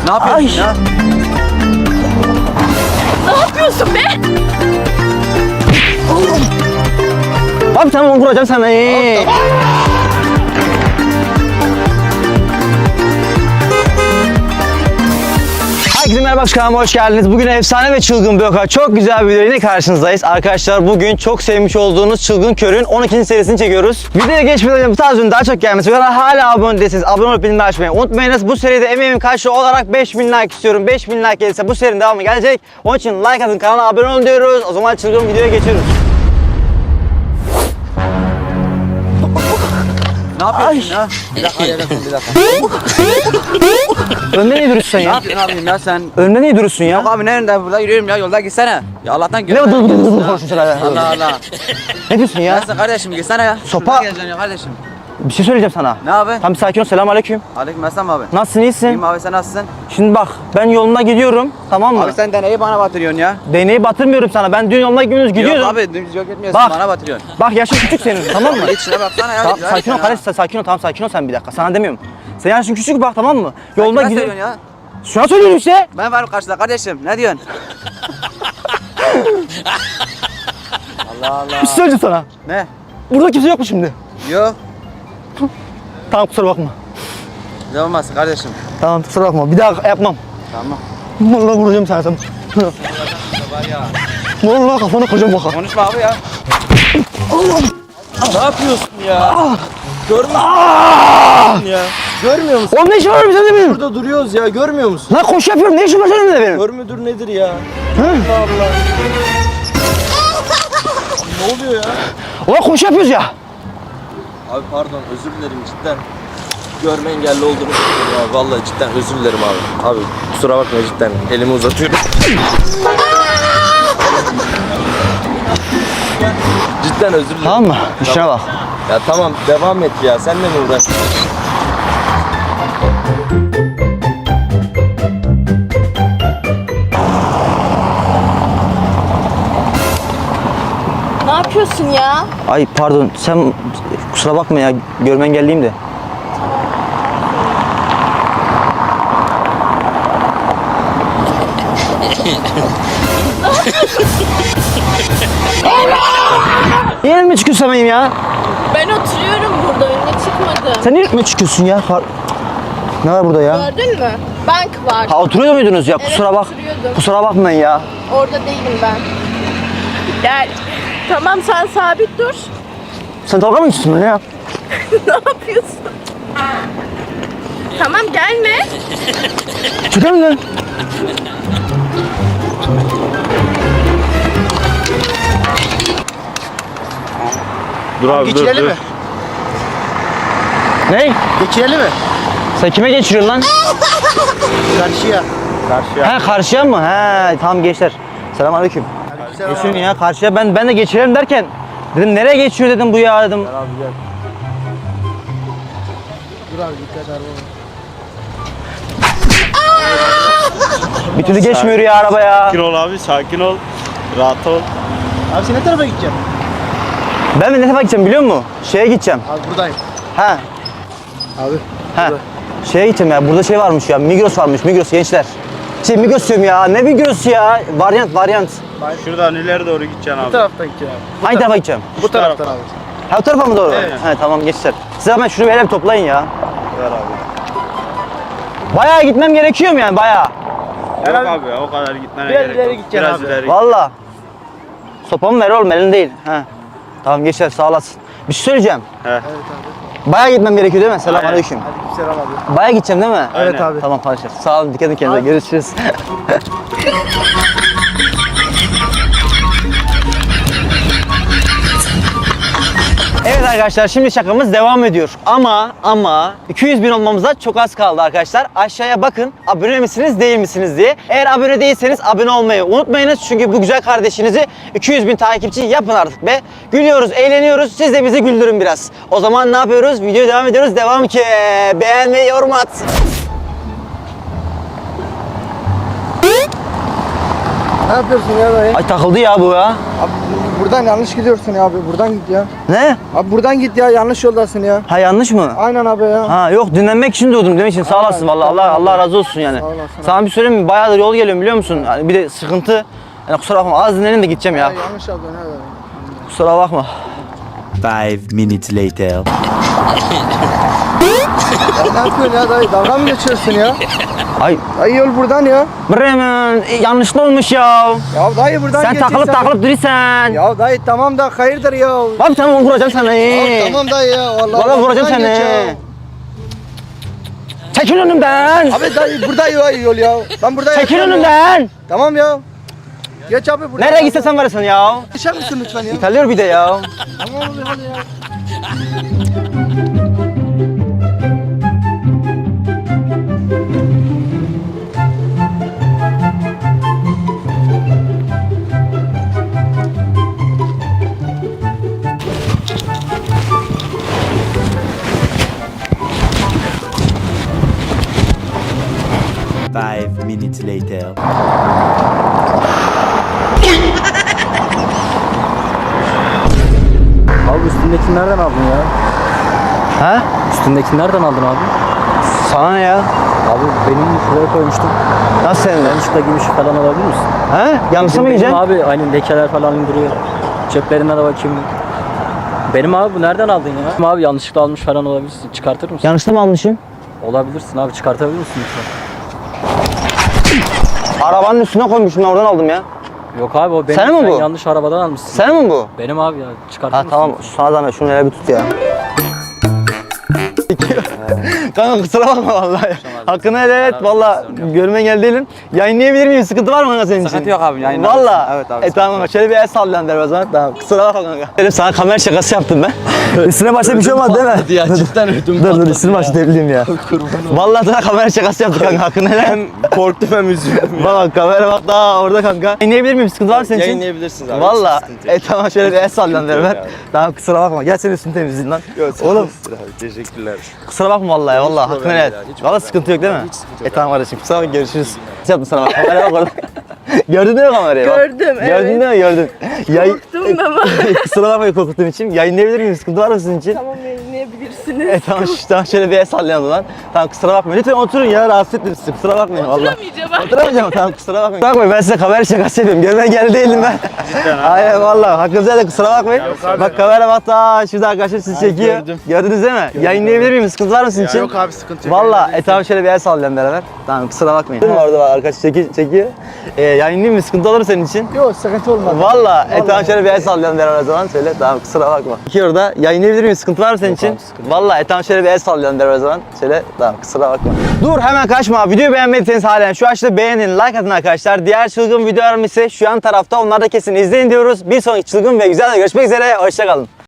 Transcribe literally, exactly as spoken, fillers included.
Ne yapıyorsun Ay. ya? Ne yapıyorsun be? Abi tamam onu vuracağım sana. Ee. Herkese merhaba, kanalıma hoş geldiniz. Bugün efsane ve çılgın bir oka. Çok güzel bir video yine karşınızdayız. Arkadaşlar bugün çok sevmiş olduğunuz Çılgın Kör'ün on ikinci serisini çekiyoruz. Videoya geçmeden önce bu tarz ürün daha çok gelmesi ve hala abone değilseniz abone olup bildirimleri açmayı unutmayınız. Bu seride emeğimin karşılığı olarak beş bin like istiyorum. beş bin like gelirse bu serinin devamı gelecek. Onun için like atın, kanala abone olun diyoruz. O zaman çılgın videoya geçiyoruz. Ne yapıyorsun ya? Bir dakika, bir dakika, bir dakika. Önümde niye duruyorsun sen Ne ya? yapıyorsun abim ya sen? Önümde niye duruyorsun ya? Yok abi nerede? Burada yürüyorum ya, yolda gitsene. Ya Allah'tan Ne gör. dur dur dur dur konuşuyorsun sen hala. Allah Allah. Ne diyorsun ya? Nasılsın kardeşim, gitsene ya. Sopa- Şuradan geleceksin ya kardeşim. Bir şey söyleyeceğim sana. Ne abi? Tam bir sakin ol. Selamünaleyküm. Aleykümselam abi. Nasılsın, iyisin? İyiyim abi, sen nasılsın? Şimdi bak, ben yoluna gidiyorum, tamam mı? Abi sen deneyi bana batırıyorsun ya. Değneği batırmıyorum sana. Ben dün yoluna gidiyoruz, gidiyordum. Yok abi dümdüz yok etmiyorsun, Bak. bana batırıyorsun. Bak yaşın küçük senin, tamam mı? Git şuna baksana ya. Tamam, rica sakin ol ederim kardeş, sakin ol, tamam sakin ol sen bir dakika. Sana demiyorum. Sen yaşın küçük bak, tamam mı? ya. Yoluna Sen kime gidiyorum. söylüyorsun ya? Şuna söylüyorum işte. Ben varım karşıda kardeşim, ne diyorsun? Allah Allah. Bir şey söyleyeceğim sana. Ne? Burada kimse yok mu şimdi? Yok. Tamam, kusura bakma. Ne olmaz kardeşim. Tamam, kusura bakma. Bir daha yapmam. Tamam. Vallahi vuracağım sana. Sen. Var ya. Vallahi kafana koyacağım baka. Konuşma abi ya. Ne yapıyorsun ya? Görmüyor musun ya? Görmüyor musun? Oğlum ne işin var bizim de benim? Burada duruyoruz ya, görmüyor musun? Lan koşu yapıyorum, ne işin var senin de benim? Kör müdür nedir ya? Hı? Allah Allah. Ne oluyor ya? Ulan koşu yapıyoruz ya. Abi pardon, özür dilerim cidden. Görme engelli olduğunu düşünüyorum abi. Vallahi cidden özür dilerim abi. Abi kusura bakma cidden. Elimi uzatıyorum. Cidden özür dilerim. Tamam mı? İşine bak. Ya tamam devam et ya. Senle mi uğraş? Ne yapıyorsun ya? Ay pardon, sen kusura bakma ya, görme engelliyim de. Niye mi çıkıyorsun benim ya? Ben oturuyorum burada, önüne çıkmadım. Sen niye mi çıkıyorsun ya? Har- Ne var burada ya? Gördün mü? Bank var. Ha oturuyor muydunuz ya? Evet, Kusura bak. oturuyordum. Kusura bakmayın ya. Orada değilim ben. Gel. Tamam, sen sabit dur. Sen dalga mı geçiyorsun benimle ya? Ne yapıyorsun? Tamam, gelme. Çıkar mı lan? Dur abi Geçirelim mi? Ne? Geçirelim mi? Sen kime geçiriyorsun lan? Karşıya. Karşıya. He karşıya mı? He tamam gençler. Selamünaleyküm. Geçiyorum ya karşıya. Ben ben de geçirelim derken dedim nereye geçiyor dedim bu ya dedim. Abi gel. Dur abi dikkat araba. Bir türlü geçmiyor ya araba ya. Sakin ol abi, sakin ol. Rahat ol. Abi sen ne tarafa gideceksin? Ben de ne tarafa gideceğim biliyor musun? Şeye gideceğim. Abi buradayım. He. Abi. He. Şeye gideceğim ya. Burada şey varmış ya. Migros varmış. Migros gençler. Şey Migros diyorum ya. Ne Migros ya? Varyant varyant. Şuradan ileri doğru gideceksin Bu abi. taraftan gideceksin abi. Hangi tarafa gideceğim? Bu taraftan abi. Ha o tarafa mı doğru? Evet. He tamam gençler. Siz hemen şunu bir hele bir toplayın ya. Ver abi. Bayağı gitmem gerekiyor mu yani bayağı? Yok abi- abi, o kadar gitmene Biraz gerek ileri yok. gideceksin Biraz abi. ileri. Valla. Sopamı ver oğlum elin değil. He. Tamam gençler sağ olasın. Bir şey söyleyeceğim. He. Evet abi. Bayağı gitmem gerekiyor değil mi? Selamünaleyküm. Hadi selam abi. Bayağı gideceğim değil mi? Evet abi. Tamam arkadaşlar. Sağ olun. Dikkat edin kendinize. Görüşürüz. Evet arkadaşlar şimdi şakamız devam ediyor. Ama ama iki yüz bin olmamıza çok az kaldı arkadaşlar. Aşağıya bakın abone misiniz değil misiniz diye. Eğer abone değilseniz abone olmayı unutmayınız. Çünkü bu güzel kardeşinizi iki yüz bin takipçi yapın artık be. Gülüyoruz, eğleniyoruz. Siz de bizi güldürün biraz. O zaman ne yapıyoruz? Videoya devam ediyoruz. Devam ki. Beğenmeyi, yorum at. Ne yapıyorsun ya dayı? Ay takıldı ya bu ya. Abi buradan yanlış gidiyorsun ya abi. Buradan git ya. Ne? Abi buradan git ya. Yanlış yoldasın ya. Ha yanlış mı? Aynen abi ya. Ha yok dinlenmek için doğdum demek için sağ Aynen, olasın vallahi Allah tamam. Allah razı olsun yani. Sağ olasın. Sana bir söyleyeyim mi? Bayağıdır yol geliyorum biliyor musun? Yani bir de sıkıntı. Yani kusura bakma az dinlenin de gideceğim ya. Ya yanlış aldın ha dayı. Kusura bakma. Five minutes later. Ya ne yapıyorsun ya dayı? Dalga mı geçiyorsun ya? Ay Dayı yol buradan ya. Bremen e, yanlışlı olmuş ya. Ya dayı buradan Sen geçeceksin. takılıp takılıp duruyorsun. Ya dayı tamam da hayırdır ya. Abi tamam vuracağım sana. Ya tamam dayı ya. Vallahi Valla vuracağım buradan geç seni. ya. Çekil önümden. Abi dayı burada ya yol ya. Ben burada Çekil yaşıyorum ya. önümden. Tamam ya. Geç abi buradan. Nereye gitsen sen varasın ya. Geçer misin lütfen ya? İtalıyor bir de ya. Tamam abi hadi ya. Five minutes later. Abi üstündekini nereden aldın ya? Ha? Üstündekini nereden aldın abi? Sana ne ya? Abi benim şuraya koymuştum. Nasıl senin? Yanlışlıkla gümüş falan alabilir misin? Ha? Yanlışa mı Benim yiyeceksin? abi aynı lekeler falan duruyor. Ceplerine de bakayım. Benim abi bu nereden aldın ya? Benim abi yanlışlıkla almış falan olabilirsin. Çıkartır mısın? Yanlışla mı almışım? Olabilirsin abi, çıkartabilir misin lütfen? Arabanın üstüne koymuşum ben oradan aldım ya. Yok abi o benim. Sen mi Sen bu? yanlış arabadan almışsın. Sen mi bu? Benim abi ya, çıkartır Ha mısın? tamam sana zahmet şunu hele bir tut ya. Kanka kusura bakma vallahi. Hakkını helal et valla görmen geldi değilim. Yayınlayabilir miyim? Sıkıntı var mı kanka senin için? Sıkıntı yok abi, yayınlarız. Valla. Evet abi, E tamam şöyle bir el sallayan der o zaman. Tamam kusura bakma kanka. Dedim sana kamera şakası yaptım ben. Üstüne başta bir şey olmadı değil mi? Ya cidden ödüm Dur dur üstüne başta debileyim ya. Vallahi sana kamera şakası yaptık kanka hakkını helal. Hem korktum hem üzüldüm. Bak kamera bak daha orada kanka. Yayınlayabilir miyim? Sıkıntı var mı senin için? Yayınlayabilirsiniz abi. Valla. hiç sıkıntı yok. E tamam şöyle bir el sallayan der ben. yok abi. Tamam kusura bakma. Gel senin üstünü temizleyin lan. Yok, sağ Oğlum olasın abi, teşekkürler. kusura bakma vallahi ya vallahi hakkını problem helal. değil abi, hiç Valla problem sıkıntı yok değil mi? Hiç sıkıntı E yok tamam kardeşim kusura bakma görüşürüz. Ne yaptım sana bak kameraya bak orada. Gördün değil mi kamerayı? Bak. Gördüm, evet. Gördün değil mi? Gördün. Yay... Korktum da ama. kusura bakmayın korkuttuğum için. Yayınlayabilir miyim? Sıkıntı var mı sizin için? Tamam yayınlayabilirsiniz. E tamam, şu- tamam şöyle bir el sallayalım lan. Tamam kusura bakmayın. Lütfen oturun ya rahatsız ettim sizi. Kusura bakmayın valla. Oturamayacağım artık. Oturamayacağım tamam kusura bakmayın. Kusura bakmayın ben size kamera şakası yapıyorum. Görmen geldi değilim ben. Cidden abi. Aynen valla hakkınızda da kusura bakmayın. abi. Bak kamera bak daha şurada arkadaşlar sizi çekiyor. gördüm. Gördünüz değil mi? Yayınlayabilir miyim? Sıkıntı var mı sizin için? Yok abi sıkıntı yok. Valla e tamam şöyle bir el sallayalım beraber. Tamam kusura bakmayın. Değil mi orada bak arkadaş çeki, çekiyor. E, yayınlayayım mı? Sıkıntı olur mu senin için? Yok sıkıntı olmadı. Valla e tamam şöyle bir el sallayalım beraber o zaman söyle. Tamam kusura bakma. İki orada yayınlayabilir miyim? Sıkıntı var mı senin için? Valla e tamam şöyle bir el sallayalım beraber o zaman söyle. Tamam kusura bakma. Dur hemen kaçma. Videoyu beğenmediyseniz halen şu aşağıda beğenin, like atın arkadaşlar. Diğer çılgın videolarım ise şu an tarafta. Onları da kesin izleyin diyoruz. Bir sonraki çılgın ve güzel de görüşmek üzere. Hoşçakalın.